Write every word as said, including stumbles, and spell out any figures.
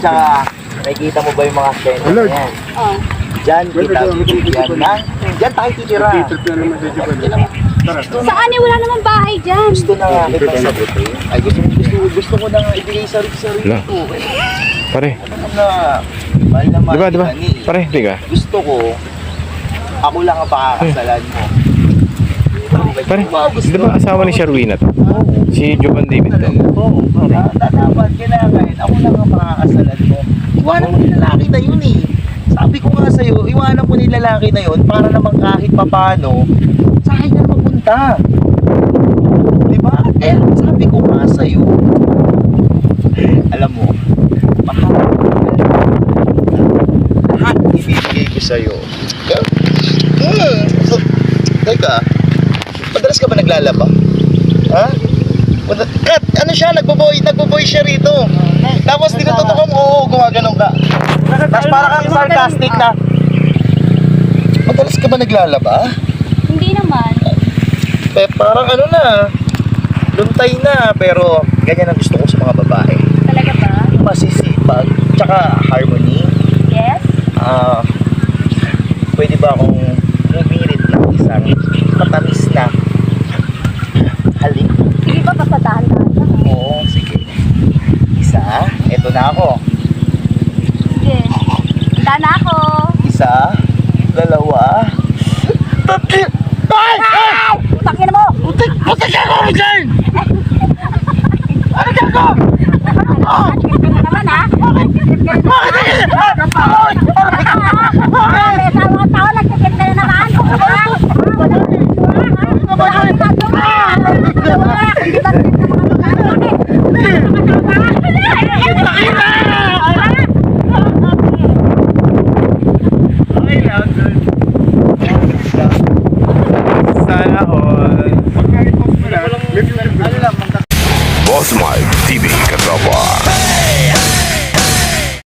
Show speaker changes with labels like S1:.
S1: tsaka, nakikita mo ba yung mga steno na yan?
S2: Oh.
S1: Diyan, kita, yan na. Diyan tayo titira.
S2: Saan eh? Wala namang bahay dyan.
S1: Gusto na nga kita sagutin. Ay, gusto, gusto, gusto ko na nga ibigay sa sarili
S3: Wala.
S1: ko.
S3: Pare,
S1: Ano na, mahal na mahal
S3: diba, diba?
S1: kita ni.
S3: Pare, di ka?
S1: Gusto ko, ako lang ang pakakasalan mo.
S3: Pare, di ba asawa ni Sherwina to? Si Jovan David to?
S1: Oo, para dapat kailangan ako lang ang makakasalan mo. Iwanan mo yung lalaki na yun eh. Sabi ko nga sa'yo, iwanan mo yung lalaki na yun para naman kahit papano, sa akin na mapunta. Diba? Eh, sabi ko nga sa'yo, alam mo, mahal lahat ibibigay ko sa'yo. Hmm, so, teka, madalas ka ba naglalaba? Ha? Kat, ano siya, nagbo-boy, nagbo-boy siya rito. Tapos tinututok mo, oo, gumaganon ka. Tapos para kang sarcastic na. Madalas ka ba naglalaba?
S2: Hindi naman.
S1: Eh, parang ano na, luntay na, pero ganyan ang gusto ko sa mga babae.
S2: Talaga ba?
S1: Masisipag, tsaka harmony.
S2: Yes?
S1: Ah, pwede ba akong humirit ng isang matamis na halik?
S2: Sige ba, papatahan-tahan ka?
S1: Oo, sige. Isa, eto na ako.
S2: Sige. Handa na ako.
S1: Isa, dalawa, tatlo. Ay! Ay!
S2: Utakin mo!
S1: Butik! Butik ako, Richard! Ano ka ko?
S2: Bakit ka naman ha?
S1: Bakit? Bakit?
S2: Bakit? Sa mga tao, nagtitip ka na naman. Wala. Wala. Wala kang ginagawa. Wala. Hindi ba titip ka mga tao?
S3: Sana all.
S1: Ano lang,
S3: Boss Mike T V Katropa.